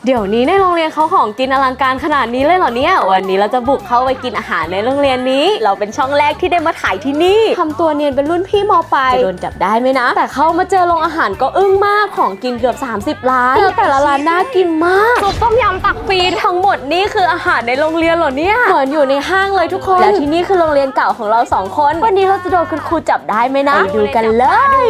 เดี๋ยวนี้ในโรงเรียนเขาของกินอลังการขนาดนี้เลยเหรอเนี่ยวันนี้เราจะบุกเข้าไปกินอาหารในโรงเรียนนี้เราเป็นช่องแรกที่ได้มาถ่ายที่นี่ทำตัวเนียนเป็นรุ่นพี่ม.ปลายจะโดนจับได้ไหมนะแต่เข้ามาเจอโรงอาหารก็อึ้งมากของกินเกือบ30ร้านแล้วแต่ละร้านน่ากินมากซุปต้มยำตักฟรีทั้งหมดนี่คืออาหารในโรงเรียนเหรอเนี่ยเหมือนอยู่ในห้างเลยทุกคนและที่นี่คือโรงเรียนเก่าของเรา2คนวันนี้เราจะโดนคุณครูจับได้ไหมนะไปดูกันเลย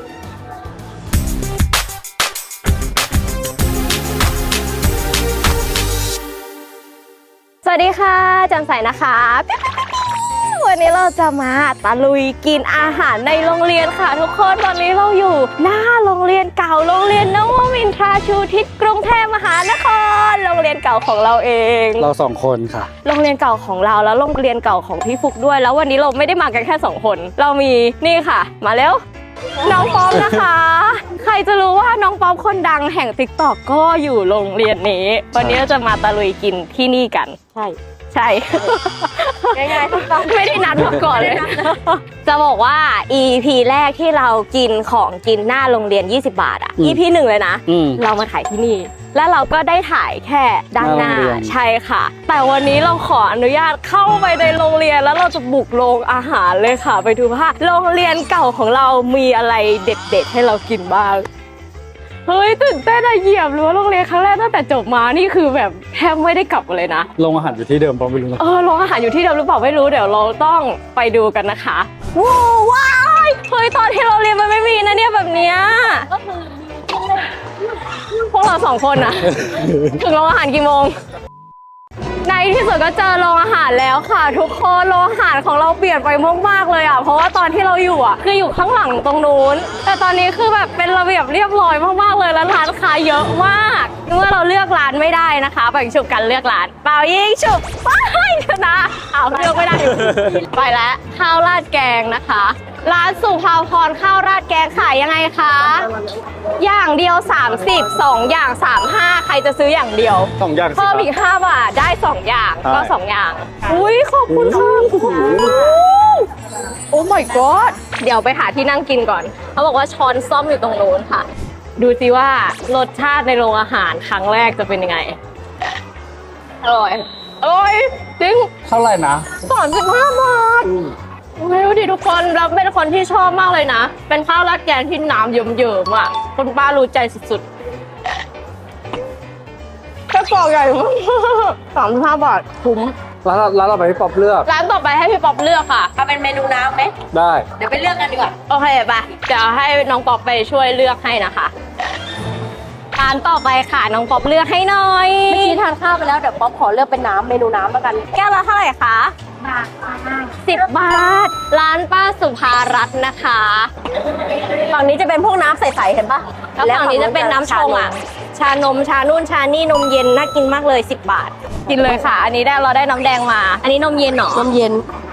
สวัสดีค่ะจำใสนะคะวันนี้เราจะมาตะลุยกินอาหารในโรงเรียนค่ะทุกคนตอนนี้เราอยู่หน้าโรงเรียนเก่าโรงเรียนนวมินทราชูทิศกรุงเทพมหานครโรงเรียนเก่าของเราเองเรา2คนค่ะโรงเรียนเก่าของเราแล้วโรงเรียนเก่าของพี่ฟุกด้วยแล้ววันนี้เราไม่ได้มากันแค่2คนเรามีนี่ค่ะมาแล้วน้องป๊อปนะคะใครจะรู้ว่าน้องป๊อปคนดังแห่ง TikTok ก็อยู่โรงเรียนนี้วันนี้เราจะมาตะลุยกินที่นี่กันใช่ง่ายๆไม่ได้นัดมาก่อนเลยจะบอกว่า EP แรกที่เรากินของกินหน้าโรงเรียน20 บาทอ่ะ EP 1เลยนะเรามาถ่ายที่นี่แล้วเราก็ได้ถ่ายแค่ด้านหน้าใช่ค่ะแต่วันนี้เราขออนุญาตเข้าไปในโรงเรียนแล้วเราจะบุกโรงอาหารเลยค่ะไปดูว่าโรงเรียนเก่าของเรามีอะไรเด็ดๆให้เรากินบ้างเฮ้ยตื่นเต้นอะเหยียบเลยว่าโรงเรียนครั้งแรกตั้งแต่จบมานี่คือแบบแทบไม่ได้กลับเลยนะโรงอาหารอยู่ที่เดิมปอไม่รู้นะโรงอาหารอยู่ที่เดิมหรือเปล่าไม่รู้เดี๋ยวเราต้องไปดูกันนะคะว้ายเฮ้ยตอนที่เราเรียนมันไม่มีนะเนี่ยแบบเนี้ยพวกเรา2คนอะถึงโรงอาหารกี่โมงในที่สุดก็เจอโรงอาหารแล้วค่ะทุกคนโรงอาหารของเราเปลี่ยนไปมากๆเลยอ่ะเพราะว่าตอนที่เราอยู่อ่ะคืออยู่ข้างหลังตรงนู้นแต่ตอนนี้คือแบบเป็นระเบียบเรียบร้อยมากๆเลยแล้วร้านค้าเยอะมากเมื่อเราเลือกร้านไม่ได้นะคะไปฉุบกันเลือกร้านเปล่ายิงฉุบไปชนะเลือกไม่ได้ ไปแล้วข้าวราดแกงนะคะร้านสุภาพรข้าวราดแกงขายยังไงคะอย่างเดียว30 2อย่าง35ใครจะซื้ออย่างเดียว 2อย่างเพิ่มอีก5 บาทได้2อย่างก็2อย่างอุ้ยขอบคุณค่ะโอ้ my god เดี๋ยวไปหาที่นั่งกินก่อนเขาบอกว่าช้อนซ่อมอยู่ตรงโน้นค่ะดูสิว่ารสชาติในโรงอาหารครั้งแรกจะเป็นยังไงอร่อยจริงเท่าไหร่นะ 35 บาทไม่รู้ดิทุกคนเราเป็นคนที่ชอบมากเลยนะเป็นข้าวราดแกงที่น้ำเยิ้มๆอ่ะคุณป้ารู้ใจสุดๆแค่กล่องใหญ่มาก35 บาทคุ้มร้านเราไปพี่ป๊อปเลือกร้านต่อไปให้พี่ป๊อปเลือกค่ะเอาเป็นเมนูน้ำไหมได้เดี๋ยวไปเลือกกันดีกว่าโอเคไปเดี๋ยวให้น้องป๊อปไปช่วยเลือกให้นะคะร้านต่อไปค่ะน้องป๊อปเลือกให้หน่อยเมื่อกี้ทานข้าวไปแล้วเดี๋ยวป๊อปขอเลือกเป็นน้ำเมนูน้ำแล้วกันแก้วละเท่าไหร่คะ10 บาทร้านป้าสุภารัตน์นะคะฝั่งนี้จะเป็นพวกน้ำใสๆเห็นปะแล้วฝั่งนี้จะเป็นน้ำชงอ่ะชานมชานุ่นชานี่นมเย็นน่ากินมากเลย10 บาทกินเลยค่ะอันนี้เราได้น้ำแดงมาอันนี้นมเย็นหรอนมเย็น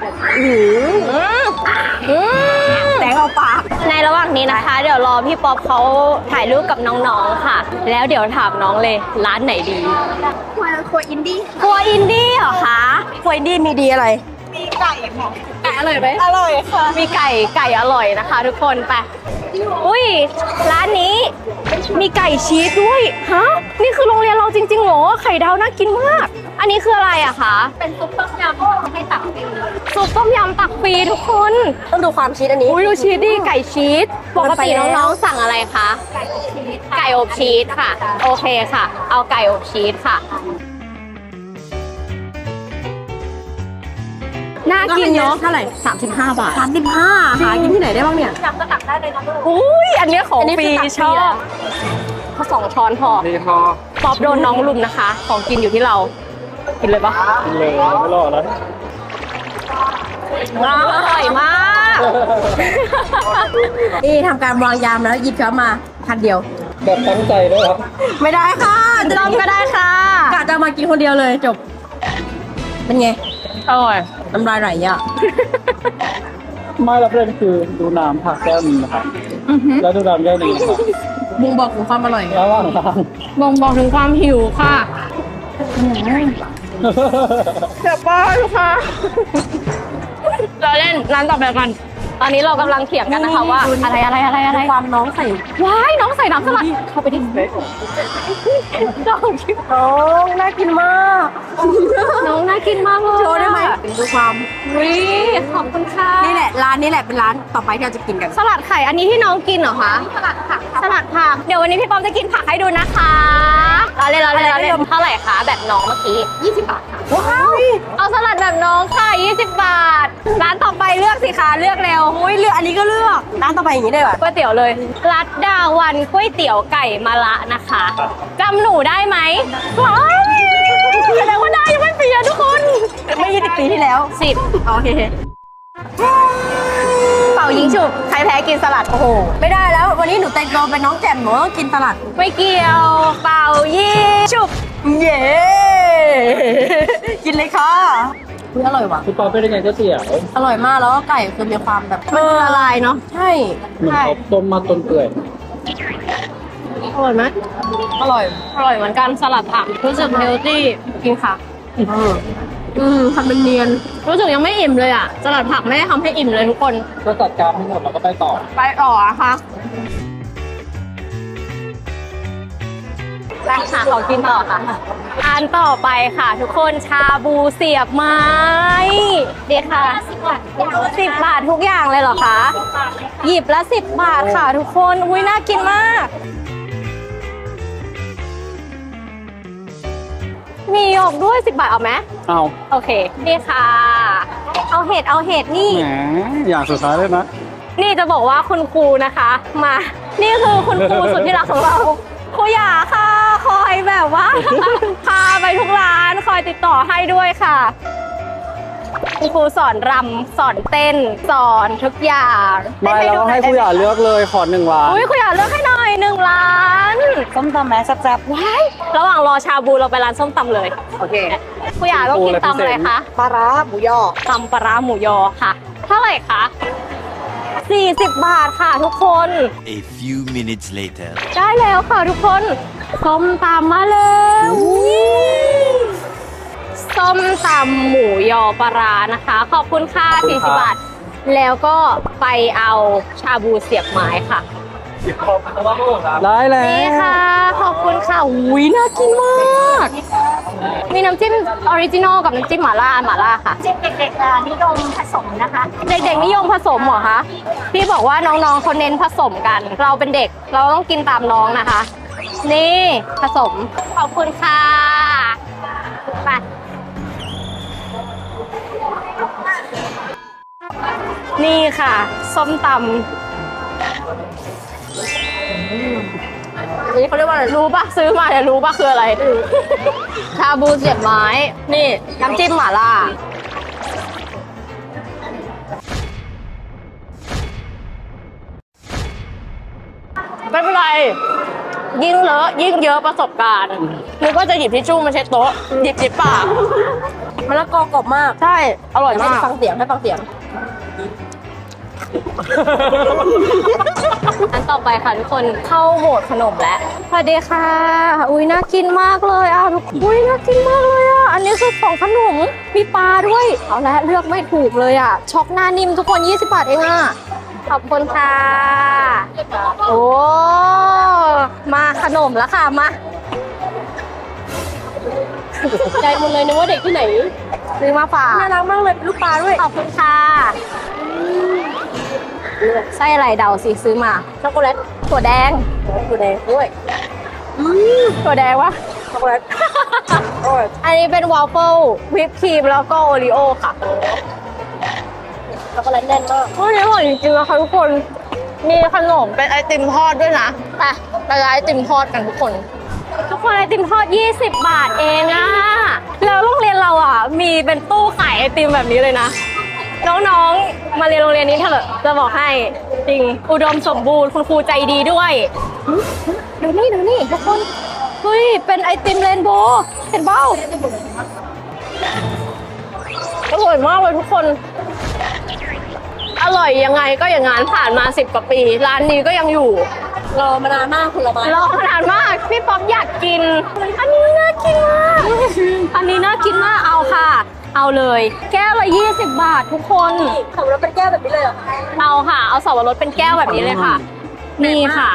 แดงเอาปากในระหว่างนี้นะคะเดี๋ยวรอพี่ป๊อปเขาถ่ายรูปกับน้องๆค่ะแล้วเดี๋ยวถามน้องเลยร้านไหนดีครัวอินดี้เหรอคะครัวอินดี้มีดีอะไรมีไก่อร่อยไหมอร่อยค่ะมีไก่อร่อยนะคะทุกคนไปอุ้ยร้านนี้มีไก่ชีสด้วยฮะนี่คือโรงเรียนเราจริงๆเหรอไข่ดาวน่ากินมากอันนี้คืออะไรอะคะเป็นซุปต้มยำให้ตักฟรีซุปต้มยำตักฟรีทุกคนต้องดูความชีสอันนี้อุ้ยดูชีสดิไก่ชีสปกติน้องๆสั่งอะไรคะไก่อบชีสค่ะโอเคค่ะเอาไก่อบชีสค่ะน่ากินเนาะเท่าไหร่ 35 บาท 35หากินที่ไหนได้บ้างเนี่ยจำก็ตักได้เลยนะอุ้ยอันนี้ของฟรีชอบเขา2 ช้อนพอป๊อปโดนน้องลุมนะคะของกินอยู่ที่เรากินเลยปะกินเลยไม่รอแล้วอร่อยมากนี่ทำการวางยามแล้วหยิบช้อนมาพันเดียวแบบตั้งใจด้วยครับไม่ได้ค่ะลองก็ได้ค่ะกะจะมากินคนเดียวเลยจบเป็นไงอร่อยน้ำลายไหลอ่ะไม่รับเล่นคือดูน้ำผักแก้วนึงนะครับแล้วดูน้ำแก้วนึงนะครับบ่งบอกถึงความอร่อยระหว่างทางบ่งบอกถึงความหิวค่ะเจ็บป้าทุกค่ะเราเล่นร้านต่อไปกันตอนนี้เรากำลังเถียงกันนะคะว่าอะไรความน้องใส่ว้ายน้องใส่น้ำสลัดเข้าไปดิน้องน้องน่ากินมากน้องน่ากินมากเลยโชว์ได้ไหมดูความวิขอบคุณค่ะนี่แหละร้านนี้แหละเป็นร้านต่อไปที่เราจะกินกันสลัดไข่อันนี้ที่น้องกินเหรอคะสลัดผักเดี๋ยววันนี้พี่ป๊อมจะกินผักให้ดูนะคะเราเล่นเท่าไหร่คะแบบน้องเมื่อกี้20 บาทค่ะว้าวเอาสลัดแบบน้องค่ะ20 บาทร้านต่อไปเลือกสิคะเลือกเร็วโอ้ยเลือกอันนี้ก็เลือกร้านต่อไปอย่างนี้ได้ป่ะก๋วยเตี๋ยวเลยรัดดาวันก๋วยเตี๋ยวไก่มะระนะคะจำหนูได้ไหมว้ายแสดงว่าได้ยังไม่เปลี่ยนทุกคนไม่20 ปีที่แล้ว 10 โอเคเป่ายิงฉุบใครแพ้กินสลัดโอ้โหไม่ได้แล้ววันนี้หนูแต่งตัวเป็นน้องแจ่มหนูต้องกินสลัดไม่เกี่ยวเป่ายิงฉุบเย้ กินเลยค่ะอุ๊ยอร่อยว่ะพี่ปอเป็นยังไงก๋วยเตี๋ยวอร่อยมากแล้วก็ไก่คือมีความแบบมันละลายเนาะใช่เหมือนเขาต้มมาจนเปื่อยอร่อยไหมอร่อยอร่อยเหมือนกันสลัดผักรู้สึกเฮลตี้กินค่ะทำเป็นเนียนรู้สึกยังไม่อิ่มเลยอ่ะสลัดผักไม่ได้ทำให้อิ่มเลยทุกคนก็จัดการให้หมดแล้วก็ไปต่อไปต่อนะคะไปค่ะขอกินต่อค่ะอันต่อไปค่ะ ทุกคนชาบูเสียบไม้เดี๋ยวค่ะ10 บาททุกอย่างเลยเหรอคะหยิบละ10 บาทค่ะทุกคนอุ้ยน่ากินมาก มีหยกด้วย10 บาทเอาไหมเอาโอเคนี่ค่ะ เอาเห็ดนี่แหมอย่างสุดท้ายเลยนะนี่จะบอกว่าคุณครูนะคะ มา นี่คือคุณครูสุดที่รักของเราครูหยาค่ะคอยแบบว่า พาไปทุกร้านคอยติดต่อให้ด้วยค่ะคุณครูสอนรำสอนเต้นสอนทุกอย่างไม่เราต้องให้ผู้ใหญ่เลือกเลยขอ1 ล้านอุ้ยครูหยาเลือกให้หน่อย1 ล้านส้มตำแม่แซ่บว้ายระหว่างรอชาบูเราไปร้านส้มตำเลยๆโอเคครูหยาต้องกินตำอะไรคะปลาร้าหมูยอตำปลาร้าหมูยอค่ะ เท่าไหร่คะ40 บาทค่ะทุกคน A few minutes later. ได้แล้วค่ะทุกคนส้มตำมาแล้วส้มตำหมูยอปลาร้านะคะ ขอบคุณค่ะ40 บาท แล้วก็ไปเอาชาบูเสียบไม้ค่ะได้แล้วนี่ค่ะ ขอบคุณค่ะอุ้ยน่ากินมาก มีน้ำจิ้มออริจินอลกับน้ำจิ้มหม่าล่าค่ะเด็กๆนิยมผสมนะคะเด็กๆนิยมผสมเหรอคะ พี่บอกว่าน้องๆเขาเน้นผสมกัน เราเป็นเด็กเราต้องกินตามน้องนะคะ นี่ผสม ขอบคุณค่ะ ไป นี่ค่ะ ส้มตำนี่เขาเรียกว่าอะไรรู้ปะซื้อมาเนี่ยรู้ปะคืออะไร ชาบูเสียบไม้ นี่น้ำจิ้มหม่าล่า ไม่เป็นไร ยิ่งเลอะยิ่งเยอะประสบการณ์นึกว่าจะหยิบทิชชู่มาเช็ดโต๊ะหยิบปากมะละกอกรอบมากใช่ อร่อยมากให้ฟังเสียงอันต่อไปค่ะทุกคนเข้าโหมดขนมแล้วสวัสดีค่ะ อุ้ยน่ากินมากเลยอ่ะทุกอุ้ยน่ากินมากเลยอ่ะอันนี้คือของขนมมีปลาด้วยเอาละเลือกไม่ถูกเลยอ่ะช็อกหน้านิ่มทุกคน20 บาทเองอ่ะขอบคุณค่ะโอ้มาขนมแล้วค่ะมาใจหมดเลยนึกว่าเด็กที่ไหนซื้อมาฝากน่ารักมากเลยเป็นลูกปลาด้วยขอบคุณค่ะไส้อะไรเดาสิซื้อมาช็อกโกแลตถั่วแดงถั่วแดงด้วยถั่วแดงวะช็อกโกแลตอร่อยอันนี้เป็นวอฟเฟิลวิปครีมแล้วก็โอรีโอค่ะช็อกโกแลตแน่นมากวันนี้อร่อยจริงๆนะคะทุกคน มีขนมเป็นไอติมทอดด้วยนะไปร้านไอติมทอดกันทุกคน ทุกคนไอติมทอด20 บาทเองอะแล้วโรงเรียนเราอ่ะมีเป็นตู้ขายไอติมแบบนี้เลยนะ น้องๆ มาเรียนโรงเรียนนี้เถอะจะบอกให้จริงอุดมสมบูรณ์คุณครูใจดีด้วยดูนี่ทุกคนเฮ้ยเป็นไอติมเรนโบว์เห็นเบ้าอร่อยมากเลยทุกคนอร่อยยังไงก็อย่างงั้นผ่านมา10 กว่าปีร้านนี้ก็ยังอยู่รอมานานมากผลไม้รอมานานมากพี่ป๊อปอยากกินอันนี้น่ากินมากอันนี้น่ากินมากเอาค่ะเอาเลย แก้วละ20 บาททุกคนขับรถเป็นแก้วแบบนี้เลยเหรอเอาค่ะ เอาสับปะรดเป็นแก้วแบบนี้เลยค่ะ นี่ค่ะ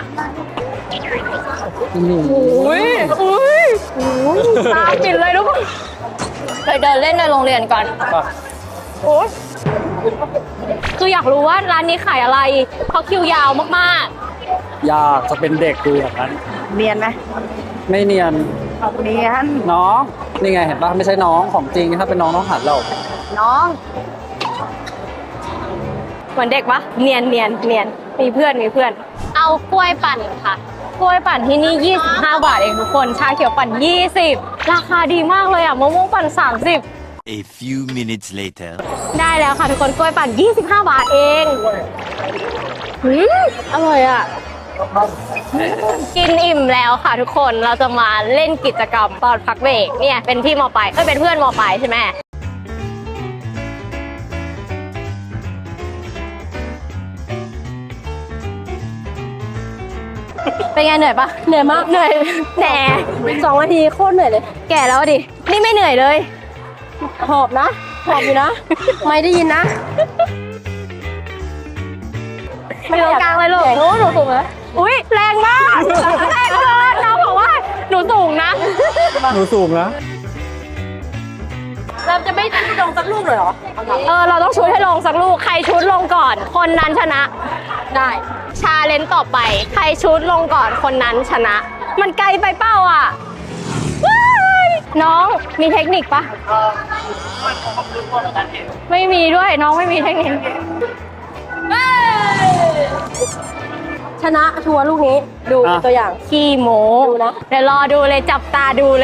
อุ้ยตาปิดเลยทุกคนไปเดินเล่นในโรงเรียนก่อน โอ้ยคืออยากรู้ว่าร้านนี้ขายอะไร เพราะคิวยาวมากอยากจะเป็นเด็กดูอย่างนั้นเนียนไหมไม่เนียนเนียนน้องนี่ไงเห็นปะไม่ใช่น้องของจริงถ้าเป็นน้องต้องหัดเราน้องๆ เหมือนเด็กปะเนียนมีเพื่อน เอากล้วยปั่นค่ะ กล้วยปั่นที่นี่ 25 บาทเองทุกคน ชาเขียวปั่น 20 ราคาดีมากเลยอ่ะมะม่วงปั่น 30 A few minutes later. ได้แล้วค่ะทุกคนกล้วยปั่น 25 บาทเองอร่อยอ่ะ กินอิ่มแล้วค่ะทุกคนเราจะมาเล่นกิจกรรมตอนพักเบรกเนี่ยเป็นพี่ม.ปลายเป็นเพื่อนม.ปลายใช่ไหมเป็นไงเหนื่อยปะเหนื่อยมากเหนื่อยแหน่2 นาทีโคตรเหนื่อยเลย แก่แล้วดินี่ไม่เหนื่อยเลยหอบนะหอบอยู่นะ ไม่ได้ยินนะไม่ตรงกลางเลยลูกโอ้หนูสูงเลยอุ้ยแรงมากแรงเลยน้องบอกว่าหนูสูงนะหนูสูงนะเราจะไม่ชุดลงสักลูกเลยเหรอเราต้องชุดให้ลงสักลูกใครชุดลงก่อน คนนั้นชนะ ได้ชาเลนจ์ต่อไป ใครชุดลงก่อนคนนั้นชนะ มันไกลไปเป้าอ่ะว้ายน้องมีเทคนิคปะไม่มีด้วยน้องไม่มีเทคนิคชนะชัวร์ลูกนี้ ดูอ่ะตัวอย่างขี้โมดูนะเดี๋ยวรอดูเลยจับตาดูเลย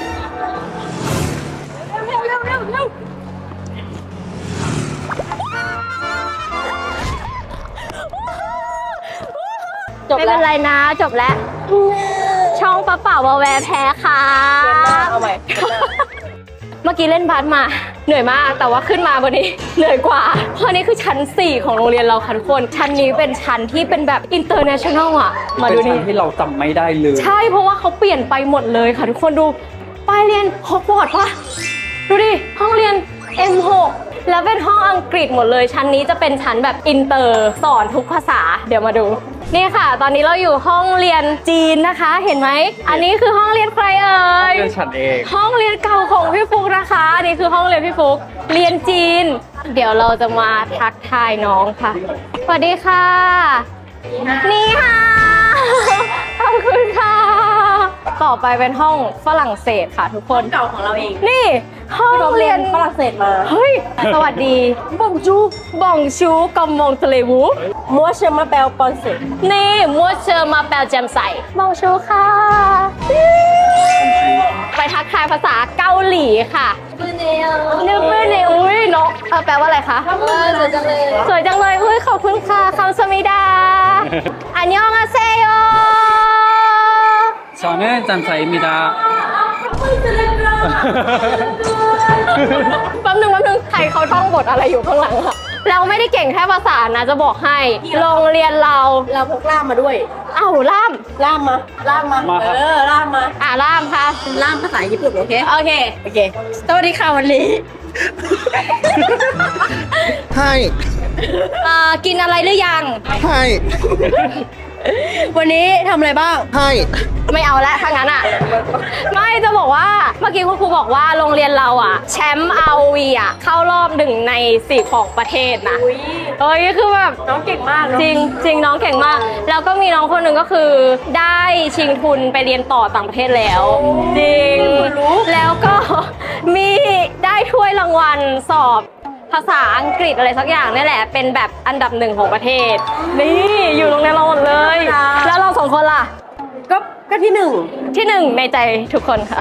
จบไม่แล้เป็วนไรนะจบแล้ว ช่องปะเป่าวาแวร์แพ้ค่ะเอาใหม่เมื่อกี้เล่นบาสมา เหนื่อยมากแต่ว่าขึ้นมาวันนี้ เหนื่อยกว่า เพราะนี่คือชั้น 4 ของโรงเรียนเราค่ะทุกคน ชั้นนี้เป็นชั้นที่เป็นแบบ international อ่ะ มาเป็นดูชั้นี่นที่เราจำไม่ได้เลยใช่เพราะว่าเขาเปลี่ยนไปหมดเลยค่ะทุกคนดูป้ายเรียนฮอกวอตส์ปะดูดิ ห้องเรียน M6 แล้วเป็นห้องอังกฤษหมดเลย ชั้นนี้จะเป็นชั้นแบบอินเตอร์สอนทุกภาษา เดี๋ยวมาดู นี่ค่ะ ตอนนี้เราอยู่ห้องเรียนจีนนะคะ เห็นไหม อันนี้คือห้องเรียนใครเอ่ยเรื่องฉันเองห้องเรียนเก่าของพี่ฟุกนะคะ อันนี้คือห้องเรียนพี่ฟุก เรียนจีน เดี๋ยวเราจะมาทักทายน้องค่ะ สวัสดีค่ะ นี่ค่ะ ขอบคุณค่ะ ต่อไปเป็นห้องฝรั่งเศสค่ะทุกคนเก่าของเราเองนี่ห้องเราเรีเรียยนนฝรั่งเศสมาเฮ้ย สวัสดีบองจูบองชูกอมมงทะเลวูมัวเชมาแปลปอนเซตนี่มัวเชอร์มาแปลแจมใสบองชูค่ะ ไปทักทายภาษาเกาหลีค่ะนึกไม่เนอุ้ยเนาะแปลว่าอะไรคะสวยจังเลยสวยจังเลยอุ้ยขอบคุณค่ะคำสมิดา อันยองอาเซโย 저는 짬사입니다. แป๊บนึงใครเขาท่องบทอะไรอยู่ข้างหลังอะเราไม่ได้เก่งแค่ภาษานะจะบอกให้ โรงเรียนเราเราพกล่ามมาด้วยเอ้าล่ามล่ามมาล่ามมามาครับล่ามมาล่ามค่ะล่ามภาษาญี่ปุ่นโอเคโอเคโอเคสวัสดีค่ะวันนี้はい、 กินอะไรหรือยังはい、 วันนี้ทำอะไรบ้างはい。 ไม่เอาแล้วถ้างั้นอ่ะ ไม่จะบอกว่าเมื่อกี้คุณครูบอกว่าโรงเรียนเราอ่ะ แชมป์อาวีอ่ะเข้ารอบ1 ใน 4ของประเทศนะเอ้ยคือแบบน้องเก่งมากจริงน้องเก่งมาก แล้วก็มีน้องคนหนึ่งก็คือ ได้ชิงทุนไปเรียนต่อต่างประเทศแล้ว จริง แล้วก็มีได้ถ้วยรางวัลสอบภาษาอังกฤษอะไรสักอย่างนี่แหละ เป็นแบบอันดับ1ของประเทศ นี่อยู่โรงเรียนเราหมดเลย แล้วเรา2 คนล่ะก็ที่หนึ่งที่1ในใจทุกคนค่ะ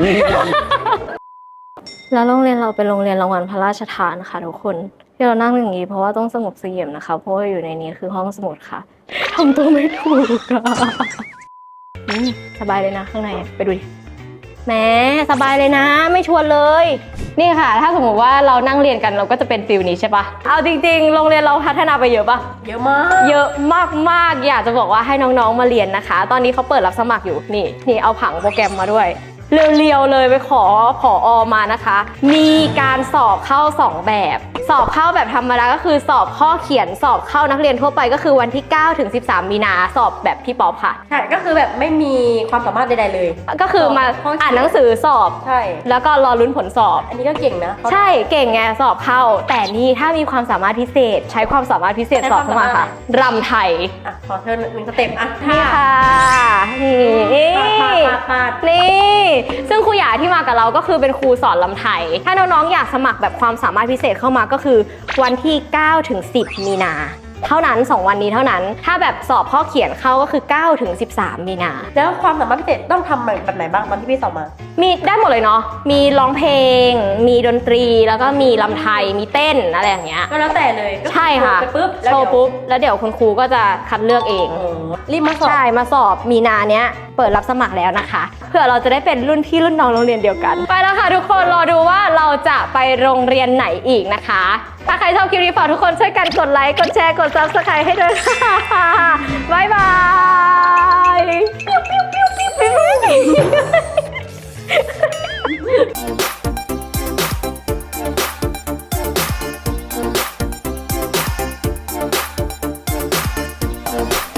แล้วโรงเรียนเราเป็นโรงเรียนรางวัลพระราชทานค่ะทุกคนที่เรานั่งอย่างนี้เพราะว่าต้องสงบเสงี่ยมนะคะเพราะว่าอยู่ในนี้คือห้องสมุดค่ะทำตัวไม่ถูกอะสบายเลยนะข้างในไปดูดิแหมสบายเลยนะไม่ชวนเลย นี่ค่ะ ถ้าสมมติว่าเรานั่งเรียนกันเราก็จะเป็นฟิลนี้ใช่ปะเอาจริงๆโรงเรียนเราพัฒนาไปเยอะปะเยอะมากเยอะมากๆ อยากจะบอกว่าให้น้องๆ มาเรียนนะคะ ตอนนี้เขาเปิดรับสมัครอยู่ นี่เอาผังโปรแกรมมาด้วยเรียวๆเลยไปขอผอมานะคะ มีการสอบเข้า 2 แบบ สอบเข้าแบบธรรมดาก็คือสอบข้อเขียนสอบเข้านักเรียนทั่วไปก็คือวันที่9ถึง13มีนาสอบแบบพี่ป๊อปค่ะใช่ก็คือแบบไม่มีความสามารถใดๆเลยก็คือมาอ่านหนังสือสอบใช่แล้วก็รอลุ้นผลสอบอันนี้ก็เก่งนะเขาใช่เก่งไงสอบเข้า แต่นี่ถ้ามีความสามารถพิเศษ ใช้ความสามารถพิเศษสอบเข้ามาค่ะรำไทยอ่ะขอเธอ1สเต็ปอ่ะนี่ค่ะนี่ปาดนี่ซึ่งครูหยาที่มากับเราก็คือเป็นครูสอนลำไทย ถ้าน้องๆอยากสมัครแบบความสามารถพิเศษเข้ามาก็คือวันที่9ถึง10มีนาเท่านั้น 2 วันนี้เท่านั้น ถ้าแบบสอบข้อเขียนเข้าก็คือ9ถึง13มีนาแล้วความสามารถพิเศษต้องทำแบบไหนบ้างตอนที่พี่สอบมามีได้หมดเลยเนาะมีร้องเพลง มีดนตรีแล้วก็มีลำไทยมีเต้นอะไรอย่างเงี้ยก็แล้วแต่เลยก็อใช่ค่ะไปปุ๊บโชว์ปุ๊บแล้วเดี๋ยวคุณครูก็จะคัดเลือกเองโอ้รีบมาสอบใช่ มาสอบมีนาเนี้ยเปิดรับสมัครแล้วนะคะ เพื่อเราจะได้เป็นรุ่นพี่รุ่นน้องโรงเรียนเดียวกัน ไปแล้วค่ะทุกคนรอดูว่าเราจะไปโรงเรียนไหนอีกนะคะ ถ้าใครชอบคลิปนี้ฝากทุกคนช่วยกันกดไลค์กดแชร์กด Subscribe ให้ด้วยค่ะบ๊ายบาย